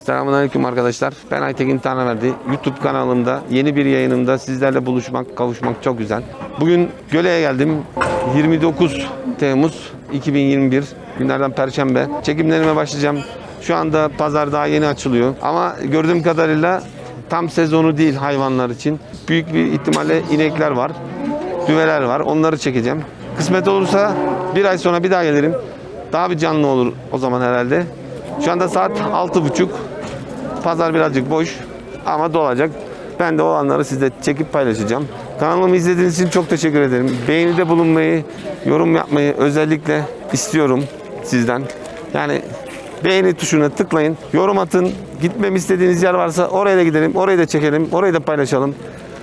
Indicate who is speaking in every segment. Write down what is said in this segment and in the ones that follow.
Speaker 1: Selamünaleyküm arkadaşlar. Ben Aytekin Tanrıverdi. YouTube kanalımda yeni bir yayınımda sizlerle buluşmak, kavuşmak çok güzel. Bugün Göle'ye geldim. 29 Temmuz 2021 günlerden Perşembe. Çekimlerime başlayacağım. Şu anda pazar daha yeni açılıyor. Ama gördüğüm kadarıyla tam sezonu değil hayvanlar için. Büyük bir ihtimalle inekler var. Düveler var. Onları çekeceğim. Kısmet olursa bir ay sonra bir daha gelirim. Daha bir canlı olur o zaman herhalde. Şu anda saat 6.30. Pazar birazcık boş ama dolacak. Ben de o anları sizle çekip paylaşacağım. Kanalımı izlediğiniz için çok teşekkür ederim. Beğenide bulunmayı, yorum yapmayı özellikle istiyorum sizden. Yani beğeni tuşuna tıklayın, yorum atın. Gitmemi istediğiniz yer varsa oraya da gidelim, orayı da çekelim, orayı da paylaşalım.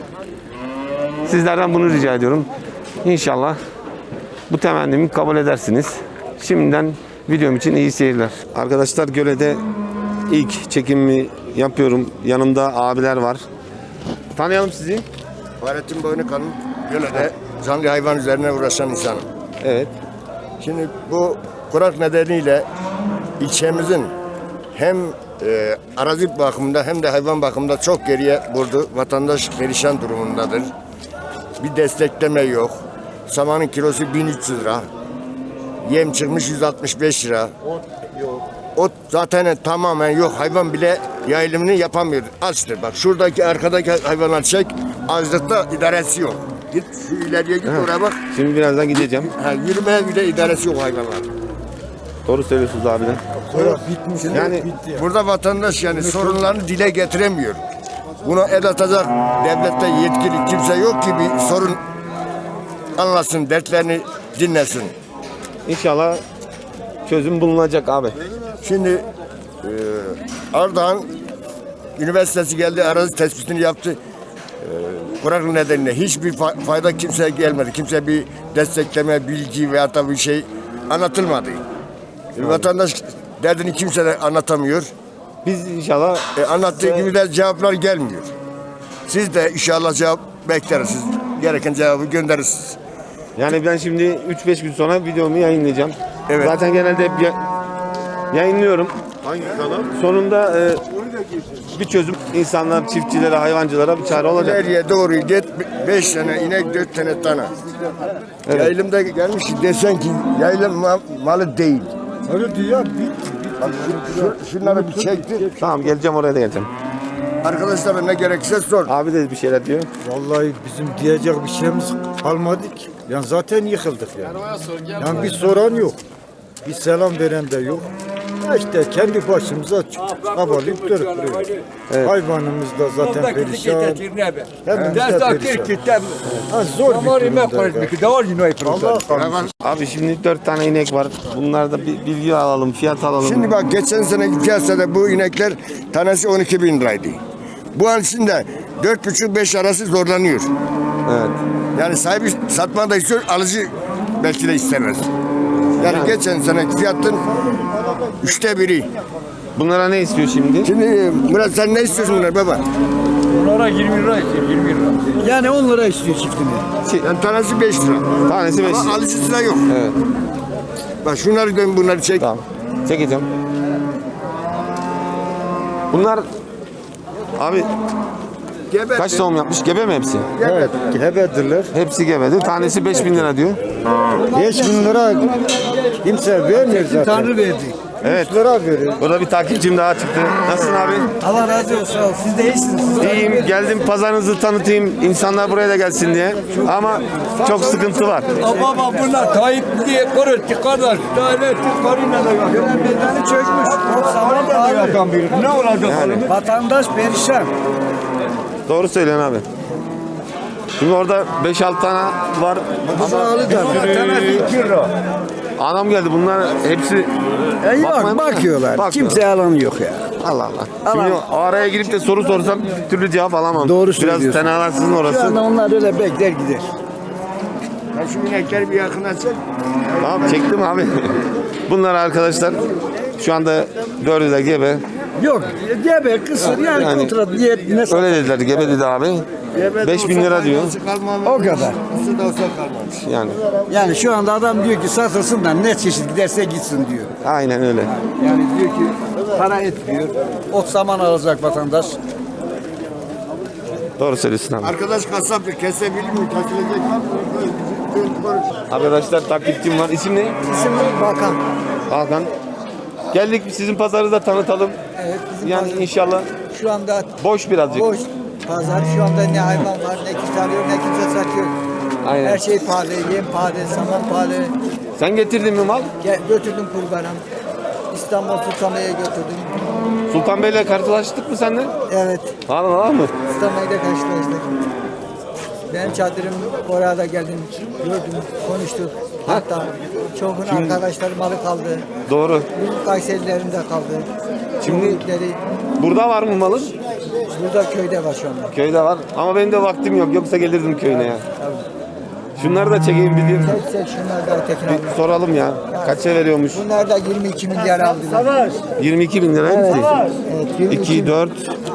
Speaker 1: Sizlerden bunu rica ediyorum. İnşallah bu temennimi kabul edersiniz. Şimdiden videom için iyi seyirler. Arkadaşlar Göle'de ilk çekimimi yapıyorum. Yanımda abiler var. Tanıyalım sizi.
Speaker 2: Fahrettin Boynukan'ın Göle'de canlı hayvan üzerine uğraşan insanım.
Speaker 1: Evet.
Speaker 2: Şimdi bu kurak nedeniyle ilçemizin hem arazi bakımında hem de hayvan bakımında çok geriye vurdu. Vatandaş perişan durumundadır. Bir destekleme yok. Samanın kilosu 1300 lira. Yem çıkmış 165 lira. Ot zaten tamamen yok. Hayvan bile yayılımını yapamıyor. Açtır. Bak şuradaki arkadaki hayvanlar çek. Açlıkta idaresi yok. Git şu ileriye git oraya bak.
Speaker 1: Şimdi birazdan gideceğim.
Speaker 2: Yürümeye bile idaresi yok hayvanlar.
Speaker 1: Doğru söylüyorsunuz abiler. Yani
Speaker 2: Burada vatandaş yani sorunlarını dile getiremiyor. Buna el atacak devlette yetkili kimse yok ki bir sorun anlasın, dertlerini dinlesin.
Speaker 1: inşallah çözüm bulunacak abi.
Speaker 2: Şimdi Ardahan Üniversitesi geldi, arazi tespitini yaptı. Kuraklık nedeniyle hiçbir fayda kimseye gelmedi. Kimse bir destekleme, bilgi veya da bir şey anlatılmadı. Vatandaş derdini kimse de anlatamıyor.
Speaker 1: Biz inşallah
Speaker 2: Anlattığı gibi de cevaplar gelmiyor. Siz de inşallah cevap bekleriz. Gereken cevabı gönderirsiniz.
Speaker 1: yani ben şimdi 3-5 gün sonra videomu yayınlayacağım.
Speaker 2: Evet.
Speaker 1: Zaten genelde hep yayınlıyorum.
Speaker 2: Hangi kanal?
Speaker 1: Sonunda bir çözüm insanlar, çiftçilere, hayvancılara bir çare olacak.
Speaker 2: Nereye doğru git 5 tane inek 4 tane tane.
Speaker 1: Evet.
Speaker 2: Yayılımda gelmiş desen ki yayılım malı değil.
Speaker 3: Öyle diyor.
Speaker 2: Bak şunları bir çekti.
Speaker 1: Tamam geleceğim, oraya da geleceğim.
Speaker 2: Arkadaşlara ne gerekirse sor.
Speaker 1: Abi de bir şeyler diyor.
Speaker 3: Vallahi bizim diyecek bir şeyimiz kalmadı ki. Yani zaten yıkıldık yani. Yani bir soran yok. Bir selam veren de yok. İşte kendi başımıza çabalayıp durup duruyoruz.
Speaker 1: Evet.
Speaker 3: Hayvanımız da zaten perişan. Hepimiz de perişan. Ha, zor bir durumda. Allah
Speaker 1: Abi şimdi 4 tane inek var. Bunlarda bir bilgi alalım, fiyat alalım.
Speaker 2: Şimdi bak geçen seneki piyasada bu inekler tanesi 12.000 liraydı. Bu an içinde 4,5-5 arası zorlanıyor.
Speaker 1: Evet.
Speaker 2: Yani sahibi satma da istiyor, alıcı belki de istemez. Yani geçen seneki fiyatın 1/3.
Speaker 1: Bunlara ne istiyor şimdi?
Speaker 2: Şimdi Murat sen ne istiyorsun bunlar baba?
Speaker 4: Onlara 20 lira istiyor, 20 lira. Yani 10 lira istiyor çiftini.
Speaker 2: Yani tanesi 5 lira.
Speaker 1: Tanesi 5
Speaker 2: Ama
Speaker 1: lira.
Speaker 2: alıcısı da yok.
Speaker 1: Evet.
Speaker 2: Bak şunları dön bunları çek.
Speaker 1: Tamam. Çekeceğim. Bunlar abi
Speaker 2: Gebe.
Speaker 1: kaç doğum yapmış? Gebe mi hepsi?
Speaker 3: Evet, gebedirler.
Speaker 1: Hepsi gebedi. Tanesi 5.000 lira diyor.
Speaker 3: 5.000 lira kimse vermiyor zaten.
Speaker 4: Tanrı verdi.
Speaker 1: Evet.
Speaker 3: 3 lira veriyor.
Speaker 1: Burada bir takipçim daha çıktı. Nasılsın abi?
Speaker 4: Allah razı olsun. Sağ ol. Siz de iyisiniz.
Speaker 1: İyiyim. Geldim pazarınızı tanıtayım. İnsanlar buraya da gelsin diye. Ama çok sıkıntı var.
Speaker 4: Baba bunlar Tayyip diye koruttu kardeş. Daire karıyla da yok. Meydanı çökmüş. Saman da yakan biri. Ne olacak?
Speaker 1: Yani.
Speaker 4: Vatandaş perişan.
Speaker 1: Doğru söylüyorsun abi. Şimdi orada 5-6 tane var.
Speaker 4: Tanesi 2 lira.
Speaker 1: Anam geldi. Bunlar hepsi bakmaya mı?
Speaker 4: Bakıyorlar.
Speaker 1: Bakıyor.
Speaker 4: Kimse alan yok ya.
Speaker 1: Allah Allah. Şimdi o araya girip de soru sorsam bir türlü cevap alamam.
Speaker 4: Doğru
Speaker 1: Biraz
Speaker 4: söylüyorsun.
Speaker 1: tenalarsın
Speaker 4: Şu
Speaker 1: orası.
Speaker 4: anda onlar öyle bekler gider.
Speaker 2: Ya şu inekleri bir yakına çek.
Speaker 1: Tamam çektim abi. Bunlar arkadaşlar şu anda 4'ü de gebe.
Speaker 4: Yok. Gebe kısır yani,
Speaker 1: Yani
Speaker 4: kontrat niyet ne
Speaker 1: öyle dediler. Gebe dedi abi. 5.000 lira diyor.
Speaker 4: O kadar.
Speaker 2: Nasıl da olsa kalmamış.
Speaker 1: Yani
Speaker 4: Yani şu anda adam diyor ki satılsın da ne çeşit giderse gitsin diyor.
Speaker 1: aynen öyle.
Speaker 4: Yani diyor ki
Speaker 5: para etmiyor. Ot saman alacak vatandaş.
Speaker 1: Doğru söylüyorsun abi.
Speaker 2: Arkadaş kasap kesebilir mi? Kesilecek var mı?
Speaker 1: Arkadaşlar takipçim var. İsim ne?
Speaker 6: İsim Bakan.
Speaker 1: Hakan. Geldik sizin pazarı da tanıtalım.
Speaker 6: Evet, bizim
Speaker 1: Yani
Speaker 6: pazar
Speaker 1: inşallah
Speaker 6: şu anda
Speaker 1: boş birazcık.
Speaker 6: boş pazar. Şu anda ne hayvan var, ne kimse alıyor, ne kimse satıyor.
Speaker 1: Aynen.
Speaker 6: Her şey pahalı, yem pahalı, saman pahalı.
Speaker 1: Sen getirdin mi mal?
Speaker 6: Götürdüm kurbanım. İstanbul Sultanbey'e götürdüm.
Speaker 1: Sultan Bey'le karşılaştık mı seninle?
Speaker 6: Evet,
Speaker 1: Var mı?
Speaker 6: İstanbul'da karşılaştık. Benim çadırım oraya da geldim, gördüm, konuştuk. Hatta çoğunun arkadaşları malı kaldı.
Speaker 1: Doğru.
Speaker 6: Bizim Kayserilerin de kaldı.
Speaker 1: Şimdi-
Speaker 6: Şimdi
Speaker 1: Burada var mı malın?
Speaker 6: burada köyde var şu anda.
Speaker 1: Köyde var. Ama benim de vaktim yok. Yoksa gelirdim köyüne ya. Şunları da çekeyim bileyim.
Speaker 6: Tek şunlar da Tekin abi.
Speaker 1: Bir soralım ya. Kaça veriyormuş?
Speaker 6: Bunlar da 22 milyar aldılar.
Speaker 1: 22 bin lira hepsi.
Speaker 6: Evet, 22
Speaker 1: 2, 4.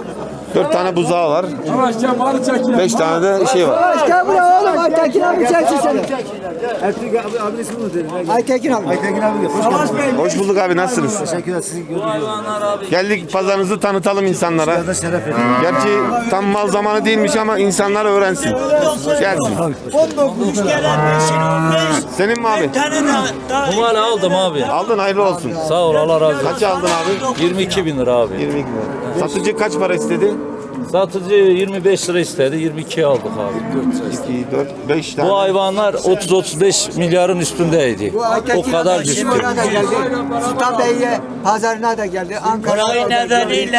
Speaker 1: 4 tane buzağı var.
Speaker 4: Yavaşça malı çekin.
Speaker 1: 5 tane de şey var.
Speaker 6: Başka buraya oğlum Aytekin abi çeksin seni.
Speaker 5: Ertuğrul abi ismi nedir?
Speaker 6: Aytekin abi.
Speaker 5: Aytekin abi hoş geldin.
Speaker 1: Hoş bulduk abi, nasılsınız?
Speaker 5: Teşekkürler sizi gördük.
Speaker 1: Geldik pazarınızı tanıtalım insanlara.
Speaker 5: Burada şeref edin.
Speaker 1: Gerçi tam mal zamanı değilmiş ama insanlar öğrensin. Gelsin.
Speaker 7: 19 gelen 5'in 15
Speaker 1: Senin mi abi?
Speaker 7: tane daha
Speaker 8: Bu malı aldım abi.
Speaker 1: Aldın, hayırlı olsun.
Speaker 8: Sağ ol, Allah razı olsun.
Speaker 1: Kaça aldın abi?
Speaker 8: 22 bin lira abi.
Speaker 1: 22 lira. Satıcı kaç para istedi?
Speaker 8: Satıcı 25 lira istedi. 22'ye aldık abi.
Speaker 1: 2, 4, 5 tane.
Speaker 8: Bu hayvanlar 30-35 milyarın üstündeydi.
Speaker 6: Bu Aytekin
Speaker 8: O kadar
Speaker 6: abi
Speaker 8: düştü.
Speaker 6: şimdi oraya da geldi. Sultan Bey'e pazarına da geldi. Ankara'ya da
Speaker 7: Parayı
Speaker 6: geldi.
Speaker 7: nedeniyle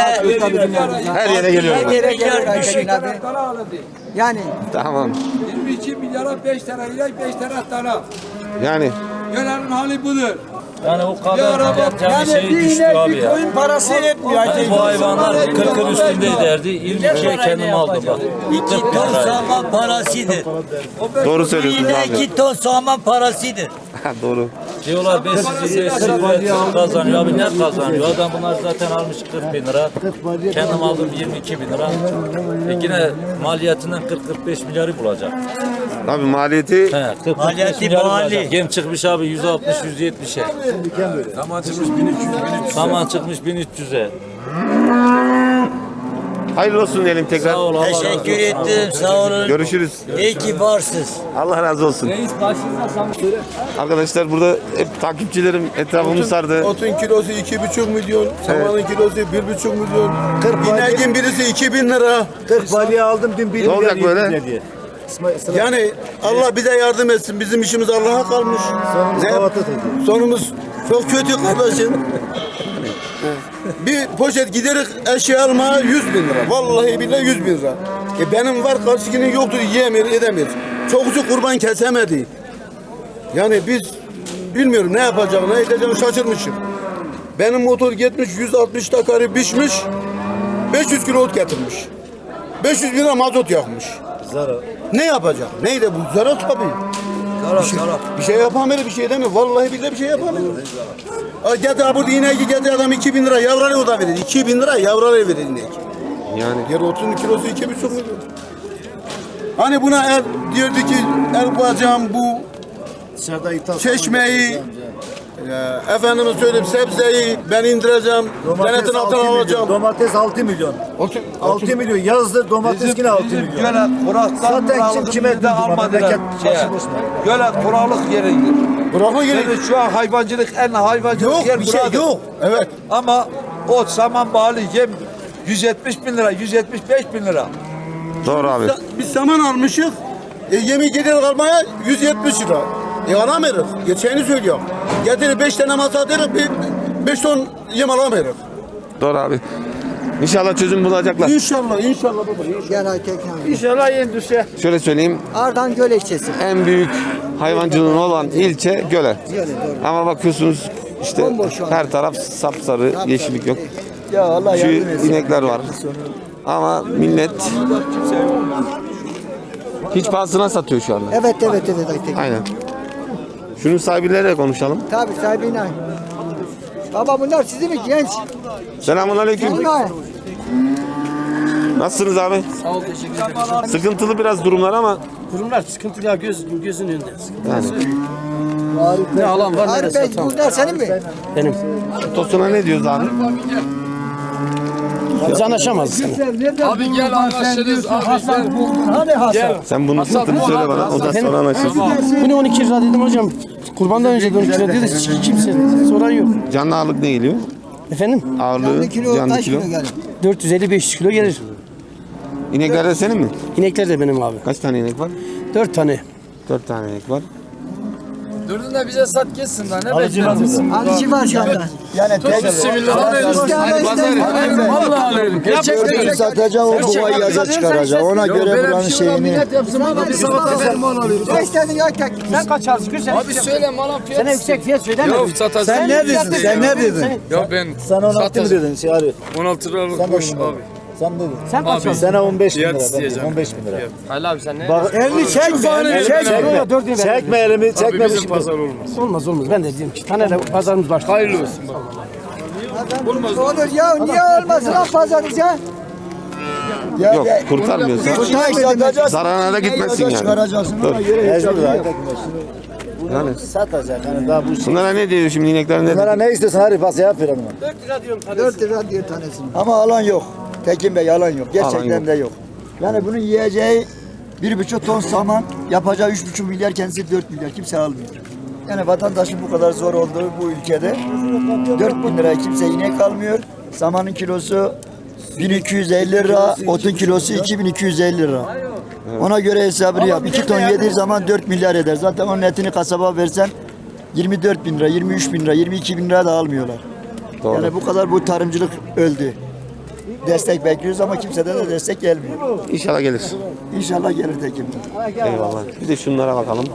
Speaker 1: Her yere geliyor.
Speaker 6: Her yere geliyor Aytekin abi. Yani
Speaker 1: Tamam.
Speaker 4: 22 milyara 5 tane ilaç, 5 tane tane.
Speaker 1: Yani
Speaker 4: Gelenin hali budur.
Speaker 8: Yani o kadar yapacağım şey
Speaker 6: bir
Speaker 8: düştü
Speaker 6: inek
Speaker 8: abi
Speaker 6: bir
Speaker 8: ya.
Speaker 6: koyun parası etmiyor.
Speaker 8: Yani bu hayvanlar 40'ın üstündeydi. 22'ye kendim aldım bak.
Speaker 7: 2 ton saman parasıdır.
Speaker 1: doğru söylüyorsunuz
Speaker 7: Yine
Speaker 1: abi.
Speaker 7: 2 ton saman parasıdır.
Speaker 1: Doğru.
Speaker 8: Diyorlar ben sizi üretim kazanıyor. Abi ne kazanıyor? Adam bunlar zaten almış 40 bin lira. Kendim aldım 22 bin lira. Yine maliyetinden 40-45 milyarı bulacak.
Speaker 1: Abi maliyeti
Speaker 8: He, 40
Speaker 7: Maliyeti
Speaker 8: milyarı
Speaker 7: mali.
Speaker 8: bulacak. Gem çıkmış abi 160-170'e.
Speaker 4: Zaman çıkmış 1300.
Speaker 8: Saman çıkmış 1300'e.
Speaker 1: hayırlı olsun diyelim tekrar.
Speaker 8: Sağ ol, Allah razı olsun.
Speaker 7: Teşekkür ettim, sağ olun.
Speaker 1: Görüşürüz.
Speaker 7: İyi ki varsınız.
Speaker 1: Allah razı olsun. Arkadaşlar burada hep takipçilerim etrafımı sardı.
Speaker 9: Otun kilosu 2,5 milyon, samanın kilosu 1,5 milyon, ineğin birisi 2.000 lira.
Speaker 5: 40 balya aldım dün 1
Speaker 1: Ne olacak
Speaker 5: milyar
Speaker 1: böyle?
Speaker 5: yedi diye.
Speaker 9: Yani Allah bize yardım etsin. Bizim işimiz Allah'a kalmış. Sonumuz çok kötü kardeşim. Bir poşet giderek eşya almaya 100 bin lira. Vallahi billahi 100 bin lira. Benim var karşıkinin yoktur, yiyemiyor, edemiyor. Çokusu kurban kesemedi. Yani biz bilmiyorum ne yapacağım, ne edeceğim şaşırmışım. Benim motor gitmiş 160 takarı biçmiş, 500 kilo ot getirmiş. 500 bin lira mazot yakmış.
Speaker 5: Zarar.
Speaker 9: Ne yapacak? Neydi bu? Zarar tabii. Bir şey yapamıyor, bir şey demiyor. Vallahi billahi bir şey yapamıyor. Getir burada ineği getir adam 2.000 lira yavralı o da verir. 2.000 lira yavralı verir inek.
Speaker 1: Yani
Speaker 9: Yer otun kilosu 2,5 milyon. Hani buna el diyordu ki el koyacağım bu
Speaker 5: Dışarıda ithal.
Speaker 9: çeşmeyi, efendime söyleyeyim sebzeyi ben indireceğim. Denetin altına alacağım.
Speaker 5: Domates 6 milyon. 6 milyon yazdı domates yine 6 milyon.
Speaker 4: Göle kuraktan
Speaker 5: Zaten kim kime
Speaker 4: de almadılar. Göle kuraklık yeridir.
Speaker 9: Bırakma gerek.
Speaker 4: Yani şu an hayvancılık en hayvancılık
Speaker 9: Yok
Speaker 4: yer
Speaker 9: bir şey
Speaker 4: buradır.
Speaker 9: yok. Evet.
Speaker 4: Ama ot, saman pahalı, yem 170 bin lira, 175 bin lira.
Speaker 1: doğru abi.
Speaker 9: Biz saman almışız. Yemin gider almaya 170 lira. Alamıyoruz. Geçeni söylüyorum. Getirir 5 tane masa atarız, 5 ton yem alamıyoruz.
Speaker 1: Doğru abi. İnşallah çözüm bulacaklar.
Speaker 9: İnşallah, inşallah baba.
Speaker 6: Gel Aytekin abi.
Speaker 9: İnşallah yendüse.
Speaker 1: Şöyle söyleyeyim.
Speaker 6: Ardan Göl ilçesi.
Speaker 1: En büyük hayvancılığın olan ilçe Göle.
Speaker 6: Göle, doğru.
Speaker 1: Ama bakıyorsunuz işte
Speaker 6: Bomboş şu an.
Speaker 1: her taraf sapsarı, yeşillik yok.
Speaker 6: Ya Allah
Speaker 1: Şu
Speaker 6: yardım etsin.
Speaker 1: inekler var. Ama millet hiç pahasına satıyor şu anda.
Speaker 6: Evet Aytekin.
Speaker 1: Aynen. Şunun sahibiyle konuşalım.
Speaker 6: Tabii sahibine. Baba bunlar sizin mi genç?
Speaker 1: Selamun aleyküm.
Speaker 6: Bunlar.
Speaker 1: Nasılsınız abi?
Speaker 10: Sağ ol, teşekkür ederim.
Speaker 1: Sıkıntılı biraz durumlar ama
Speaker 10: Durumlar sıkıntılı ya gözün önünde.
Speaker 1: yani
Speaker 5: Ne alan var ne
Speaker 6: Arif
Speaker 5: de
Speaker 6: Bey
Speaker 5: satan.
Speaker 6: bunlar senin mi?
Speaker 5: Benim.
Speaker 1: Tosuna ne diyoruz abi?
Speaker 5: Biz anlaşamazız.
Speaker 4: Abi gel anlaşırız abi.
Speaker 6: Hasan buldun. Hani Hasan?
Speaker 1: Sen bunun fiyatını söyle bana. O da sonra anlaşırız.
Speaker 5: Bunu 12 lira dedim hocam. Kurbandan önce de 12 lira dedi. Kimse soran yok.
Speaker 1: Canlı ağırlık ne geliyor?
Speaker 5: Efendim?
Speaker 1: Ağırlığı, canlı kilo.
Speaker 5: 450-500 kilo gelir.
Speaker 1: İnekler de senin mi?
Speaker 5: İnekler de benim abi.
Speaker 1: Kaç tane inek var?
Speaker 5: 4 tane.
Speaker 1: 4 tane inek var.
Speaker 4: Dördünü de bize sat geçsin daha ne bekliyorsun?
Speaker 6: Alıcı var şu anda.
Speaker 3: Yani tek
Speaker 4: Vallahi alırım. Gerçekten.
Speaker 3: satacak o kovayı yaza çıkaracak. Ona göre buranın şeyini.
Speaker 4: Millet yapsın bana bir sabah kadar mal alıyoruz.
Speaker 6: Ne istedin ya tek?
Speaker 5: Sen kaç alıyorsun?
Speaker 4: Abi söyle malın fiyatı.
Speaker 5: Sen yüksek fiyat söyleme.
Speaker 4: Yok satacağız.
Speaker 3: Sen ne dedin? Sen ne dedin?
Speaker 4: Ya ben
Speaker 3: Sen 16 mı
Speaker 4: satacağım.
Speaker 3: dedin şey Arif?
Speaker 4: 16 liralık boş abi.
Speaker 3: Sen dedin.
Speaker 5: Sen kaç alıyorsun?
Speaker 3: Sana 15 bin
Speaker 4: Fiyat
Speaker 3: lira. Ben
Speaker 4: isteyeceğim.
Speaker 3: 15 bin lira.
Speaker 5: Halil abi sen ne?
Speaker 3: Bak elini çekme. Elini çekme. Çekme elimi.
Speaker 4: Abi
Speaker 3: Çekme
Speaker 4: bizim pazar olmaz.
Speaker 5: Olmaz. Ben de diyeyim ki tane de pazarımız var.
Speaker 4: Hayırlı olsun.
Speaker 6: Olur ya niye olmasın lan pazarız ya?
Speaker 1: Yok kurtarmıyorsa zararına da gitmesin yani.
Speaker 3: Çıkaracaksın
Speaker 1: Dur.
Speaker 3: ama yere hiç
Speaker 1: Yani
Speaker 3: satacak. Yani daha bu şey.
Speaker 1: bunlara ne diyor şimdi inekler ne
Speaker 3: Bunlara
Speaker 1: diyor?
Speaker 3: ne istiyorsun Arif? Bas cevap ver ona.
Speaker 6: 4 lira diyor tanesini.
Speaker 3: Ama alan yok. Tekin Bey alan yok.
Speaker 1: Alan
Speaker 3: Gerçekten
Speaker 1: yok.
Speaker 3: de yok. Yani bunun yiyeceği 1,5 ton saman, yapacağı 3,5 milyar, kendisi 4 milyar. Kimse almıyor. Yani vatandaşın bu kadar zor olduğu bu ülkede 4 bin liraya kimse inek almıyor. Samanın kilosu 1250 lira, otun kilosu 2250 lira. Ona göre hesabını yap. 2 ton yediği zaman 4 milyar eder. Zaten onun etini kasaba versen 24 bin lira, 23 bin lira, 22 bin lira da almıyorlar.
Speaker 1: Doğru.
Speaker 3: Yani bu kadar bu tarımcılık öldü. Destek bekliyoruz ama kimseden de destek gelmiyor.
Speaker 1: İnşallah gelir.
Speaker 3: İnşallah gelir Tekin Bey.
Speaker 1: Eyvallah. Bir de şunlara bakalım.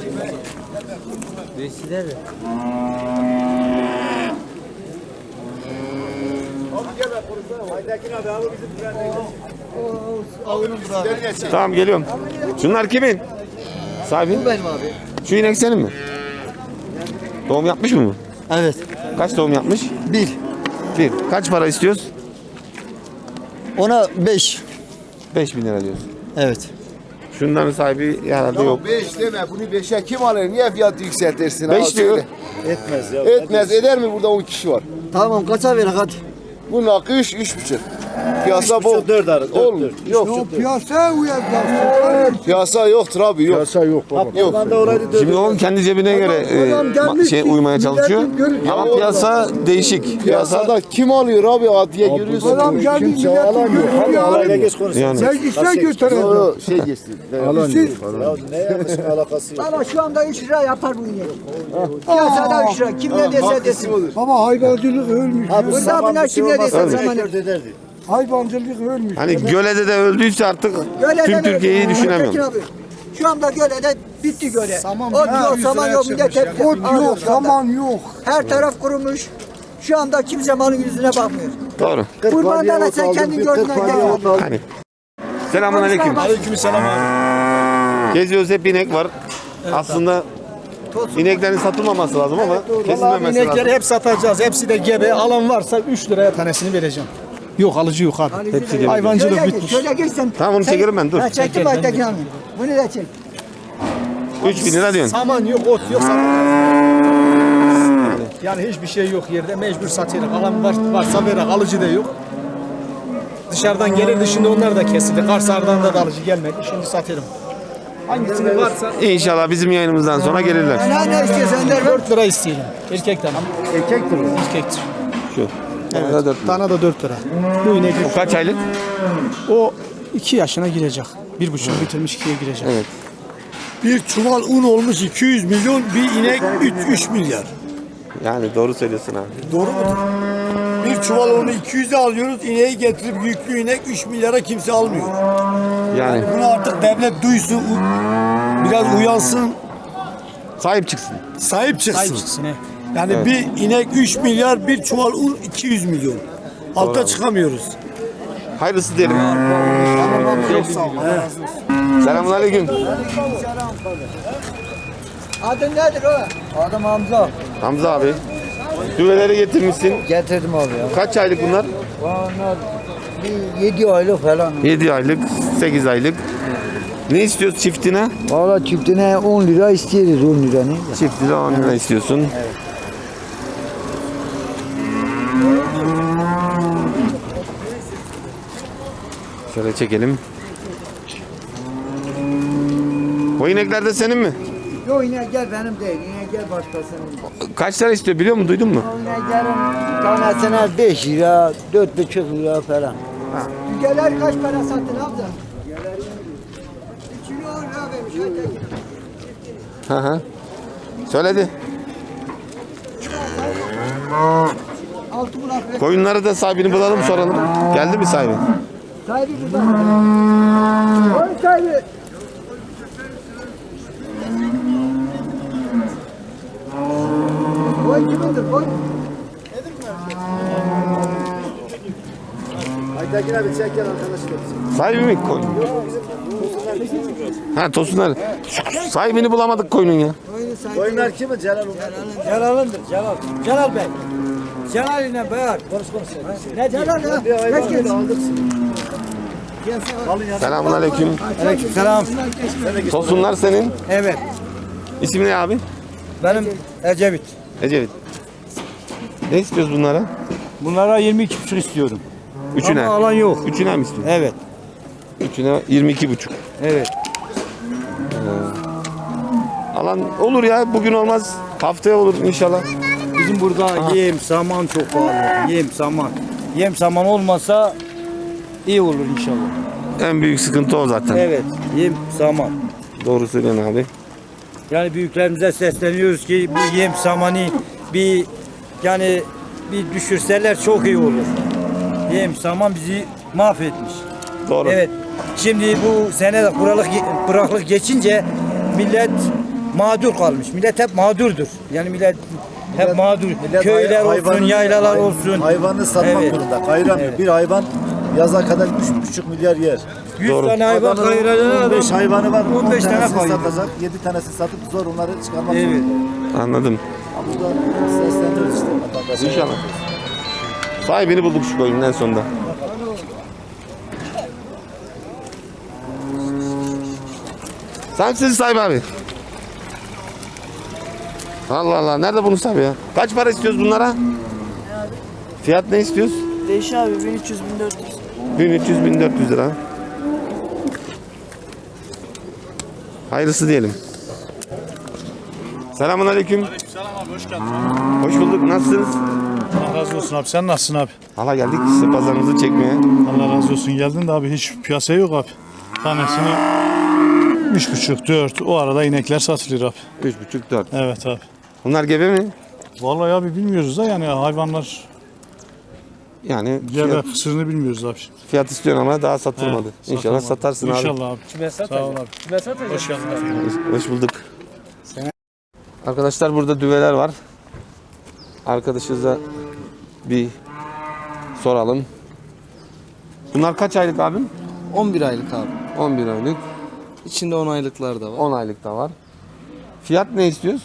Speaker 1: Tamam geliyorum. Şunlar kimin? Sahibi?
Speaker 6: Benim abi.
Speaker 1: Şu inek senin mi? Doğum yapmış mı bu?
Speaker 3: Evet.
Speaker 1: Kaç doğum yapmış?
Speaker 3: 1.
Speaker 1: Bir. Kaç para istiyoruz?
Speaker 3: Ona 5.
Speaker 1: 5.000 lira diyoruz.
Speaker 3: Evet.
Speaker 1: Şunların sahibi herhalde yok.
Speaker 9: 5 deme bunu 5'e kim alır? Niye fiyatı yükseltirsin?
Speaker 1: 5 diyor.
Speaker 3: Etmez ya.
Speaker 9: Etmez eder mi burada 10 kişi var?
Speaker 3: Tamam kaça ver hadi.
Speaker 9: Bunun hakkı 3,5. Piyasa bu.
Speaker 3: 4 arası.
Speaker 9: Olmuyor. Yok.
Speaker 6: Piyasa uyar.
Speaker 9: Piyasa yoktur abi yok. Piyasa yok baba. Yok.
Speaker 1: Şimdi o kendi cebine göre uymaya çalışıyor. Ama piyasa değişik. Piyasa
Speaker 9: Piyasada kim alıyor abi adiye görüyorsun.
Speaker 3: Kimse alan yok. Hadi alayla geç konuş.
Speaker 1: yani.
Speaker 9: Yok şey geçti. Alan yok.
Speaker 3: Ya ne yapmışsın alakası yok.
Speaker 6: Ama şu anda 3 lira yapar bu inek. Piyasada 3 lira. Kim ne dese desin.
Speaker 10: Ama hayvancılık ölmüş.
Speaker 6: Burada buna kim ne dese zamanı.
Speaker 10: Hayvancılık ölmüş.
Speaker 1: Hani Göle'de de öldüyse artık tüm Türkiye'yi düşünemiyorum.
Speaker 6: Abi, şu anda Göle'de bitti Göle.
Speaker 10: Saman
Speaker 6: Ot
Speaker 10: ha,
Speaker 6: yok, saman yok, millet hep
Speaker 10: Ot
Speaker 6: ağlıyor
Speaker 10: yok,
Speaker 6: şu anda.
Speaker 10: saman yok.
Speaker 6: Her taraf kurumuş. Şu anda kimse malın yüzüne bakmıyor.
Speaker 1: Doğru.
Speaker 6: Kurbandan da sen kendin gördün.
Speaker 1: Hani. Selamun aleyküm.
Speaker 4: Aleykümselam abi.
Speaker 1: Geziyoruz hep inek var. Aslında ineklerin satılmaması lazım ama kesilmemesi lazım.
Speaker 10: İnekleri hep satacağız. Hepsi de gebe. Alan varsa 3 liraya tanesini vereceğim. Yok alıcı yok abi.
Speaker 1: Hepsi gibi.
Speaker 10: Hayvancılık bitmiş.
Speaker 6: Şöyle geç sen.
Speaker 1: Tamam, onu çekerim ben, dur.
Speaker 6: Ha, çektim bak Tekin abi. Bunu da çek.
Speaker 1: 3.000 lira diyorsun.
Speaker 10: Saman yok, ot yok, satacağız. Yani hiçbir şey yok yerde. Mecbur satıyoruz. Alan varsa verir. Alıcı da yok. Dışarıdan gelirdi. Şimdi onlar da kesildi. Karsar'dan da alıcı gelmedi. Şimdi satıyorum. Hangisini varsa
Speaker 1: İnşallah bizim yayınımızdan sonra gelirler.
Speaker 6: Ne istiyorsan der.
Speaker 10: 4 lira isteyelim. Erkek tane.
Speaker 3: Erkektir o.
Speaker 10: Erkektir.
Speaker 1: Şu.
Speaker 10: Evet.
Speaker 1: Da 4 lira.
Speaker 10: Tane de 4 lira. Bu inek
Speaker 1: O kaç aylık?
Speaker 10: o 2 yaşına girecek. 1,5 bitirmiş 2'ye girecek.
Speaker 1: Evet.
Speaker 10: Bir çuval un olmuş 200 milyon, bir inek 3 milyar.
Speaker 1: Yani doğru söylüyorsun abi.
Speaker 10: Doğru mu? Bir çuval unu 200'e alıyoruz, ineği getirip yüklü inek 3 milyara kimse almıyor.
Speaker 1: Yani
Speaker 10: Bunu artık devlet duysun, biraz uyansın,
Speaker 1: sahip çıksın.
Speaker 10: sahip çıksın. Yani bir inek 3 milyar, bir çuval un 200 milyon. Alta çıkamıyoruz.
Speaker 1: Hayırlısı diyelim. Selamun aleyküm.
Speaker 6: Adın nedir o?
Speaker 5: Adım Hamza.
Speaker 1: Hamza abi. Düveleri getirmişsin.
Speaker 5: Getirdim abi ya.
Speaker 1: Kaç aylık bunlar?
Speaker 5: Onlar bir 7 aylık falan.
Speaker 1: 7 aylık, 8 aylık. Ne istiyoruz çiftine?
Speaker 6: Valla çiftine 10 lira istiyoruz 10 lira ne?
Speaker 1: Çiftine 10 lira istiyorsun. Şöyle çekelim. O inekler de senin mi?
Speaker 6: Yok yine gel benim değil yine gel başkasının.
Speaker 1: Kaç lira istiyor biliyor musun? Duydun mu?
Speaker 6: Yine gelin tanesine 5 lira 4,5 lira falan. Dügeler kaç para sattın abla? İçini 10 lira vermiş.
Speaker 1: Hı hı. Söyledi.
Speaker 6: Altı bulan
Speaker 1: Koyunları da sahibini bulalım soralım. Geldi mi sahibi?
Speaker 6: sahibi burada. Koy sahibi. Koy kimindir koy?
Speaker 3: Aytekin abi çek gel arkadaşlar.
Speaker 1: Sahibi mi koyun? Ha Tosunlar. Sahibini bulamadık koyunun ya.
Speaker 3: Oyunlar kimin? Celal
Speaker 6: Celal'ındır Celal. Celal Bey. Celal ile beraber. Konuş. Ne Celal ya? Geç geç.
Speaker 1: Selamun aleyküm.
Speaker 6: Selam.
Speaker 1: Tosunlar senin.
Speaker 6: Evet.
Speaker 1: İsmi ne abi?
Speaker 6: Benim Ecevit.
Speaker 1: Ecevit. Ne istiyoruz bunlara?
Speaker 10: Bunlara 22,5 istiyorum.
Speaker 1: Üçüne.
Speaker 10: Ama alan yok.
Speaker 1: Üçüne mi istiyorsun?
Speaker 10: Evet.
Speaker 1: Üçüne 22,5.
Speaker 10: Evet.
Speaker 1: Alan olur ya. Bugün olmaz. Haftaya olur inşallah.
Speaker 10: Bizim burada yem, saman çok pahalı. Yem, saman. Yem, saman olmasa iyi olur inşallah.
Speaker 1: En büyük sıkıntı o zaten.
Speaker 10: Evet. Yem, saman.
Speaker 1: Doğru söylüyorsun abi.
Speaker 10: Yani büyüklerimize sesleniyoruz ki bu yem, samanı bir düşürseler çok iyi olur. Yem, saman bizi mahvetmiş.
Speaker 1: Doğru.
Speaker 10: Evet. Şimdi bu sene de kuraklık geçince millet mağdur kalmış. Millet hep mağdurdur. Yani millet hep mağdur. Köyler olsun, yaylalar olsun.
Speaker 3: Hayvanı satmak
Speaker 10: Evet.
Speaker 3: zorunda. Kayıramıyor.
Speaker 10: Evet.
Speaker 3: Bir hayvan yaza kadar 3,5 milyar yer.
Speaker 10: 100
Speaker 1: Doğru.
Speaker 10: tane hayvan
Speaker 3: Adamın
Speaker 10: kayıracak
Speaker 3: 15
Speaker 10: adam.
Speaker 3: hayvanı var.
Speaker 10: 15 tane
Speaker 3: tanesini
Speaker 10: kayırıyor.
Speaker 3: satacak. 7 tanesini satıp zor onları çıkarmak
Speaker 10: Evet.
Speaker 3: zorunda.
Speaker 1: Anladım.
Speaker 3: Burada sesleniyoruz işte vatandaşa.
Speaker 1: İnşallah. Sahibini bulduk şu koyunun en sonunda. Sen misin sahibi abi? Allah Allah. Nerede bunun sahibi ya? Kaç para istiyoruz bunlara? Fiyat ne istiyoruz?
Speaker 5: Değişiyor abi 1300 1400.
Speaker 1: 1300-1400 lira. Hayırlısı diyelim. Selamun aleyküm.
Speaker 11: Selam abi hoş geldin.
Speaker 1: Hoş bulduk. Nasılsınız?
Speaker 11: Allah razı olsun abi. Sen nasılsın abi?
Speaker 1: Hala geldik size pazarınızı çekmeye.
Speaker 11: Allah razı olsun. Geldin de abi hiç piyasa yok abi. Tanesini 3,5-4. O arada inekler satılıyor abi.
Speaker 1: 3,5-4.
Speaker 11: Evet abi.
Speaker 1: Bunlar gebe mi?
Speaker 11: Vallahi abi bilmiyoruz da yani hayvanlar
Speaker 1: Yani
Speaker 11: gebe kısırını bilmiyoruz abi.
Speaker 1: fiyat istiyorsun ama daha satılmadı.
Speaker 11: Evet,
Speaker 1: İnşallah
Speaker 11: satılmadı.
Speaker 1: satarsın abi.
Speaker 11: İnşallah abi. Sağ ol abi. Hoş geldin abi.
Speaker 1: Hoş bulduk. Arkadaşlar burada düveler var. Arkadaşınıza bir soralım. Bunlar kaç aylık abim?
Speaker 5: 11 aylık abi.
Speaker 1: 11 aylık.
Speaker 5: İçinde 10 aylıklar da var.
Speaker 1: 10 aylık da var. Fiyat ne istiyoruz?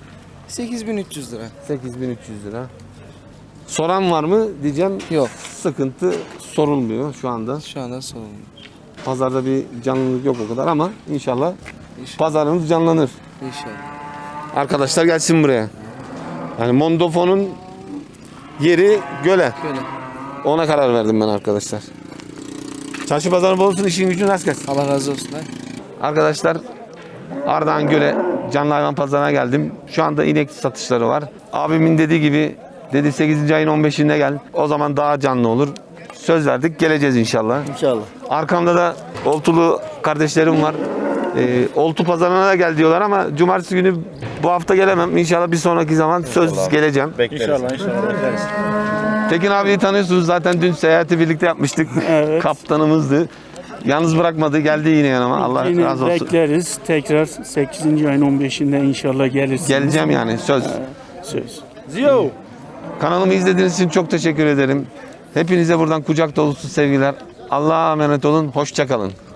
Speaker 5: 8300 lira.
Speaker 1: 8300 lira. Soran var mı diyeceğim.
Speaker 5: Yok.
Speaker 1: Sıkıntı sorulmuyor şu anda.
Speaker 5: Şu anda sorun.
Speaker 1: Pazarda bir canlılık yok o kadar ama inşallah
Speaker 5: İnşallah.
Speaker 1: pazarımız canlanır.
Speaker 5: İnşallah.
Speaker 1: Arkadaşlar gelsin buraya. Yani Mondofo'nun yeri göle.
Speaker 5: Böyle.
Speaker 1: Ona karar verdim ben arkadaşlar. Çarşı pazarı bol olsun, işin gücün rast gelsin.
Speaker 5: Allah razı olsun.
Speaker 1: Arkadaşlar Ardahan Göle canlı hayvan pazarına geldim. Şu anda inek satışları var. Abimin dediği gibi dedi 8. ayın 15'inde gel. O zaman daha canlı olur. Söz verdik, geleceğiz inşallah.
Speaker 3: İnşallah.
Speaker 1: Arkamda da oltulu kardeşlerim var. Oltu pazarına da gel diyorlar ama cumartesi günü bu hafta gelemem. İnşallah bir sonraki zaman söz geleceğim.
Speaker 11: İnşallah bekleriz.
Speaker 1: Tekin abiyi tanıyorsunuz zaten dün seyahati birlikte yapmıştık. Kaptanımızdı. Yalnız bırakmadı, geldi yine yanıma. Allah
Speaker 12: Yine
Speaker 1: razı olsun.
Speaker 12: bekleriz. Tekrar 8. ayın 15'inde inşallah gelirsiniz.
Speaker 1: Geleceğim yani söz.
Speaker 12: Söz.
Speaker 1: Kanalımı izlediğiniz için çok teşekkür ederim. Hepinize buradan kucak dolusu sevgiler. Allah'a emanet olun. Hoşça kalın.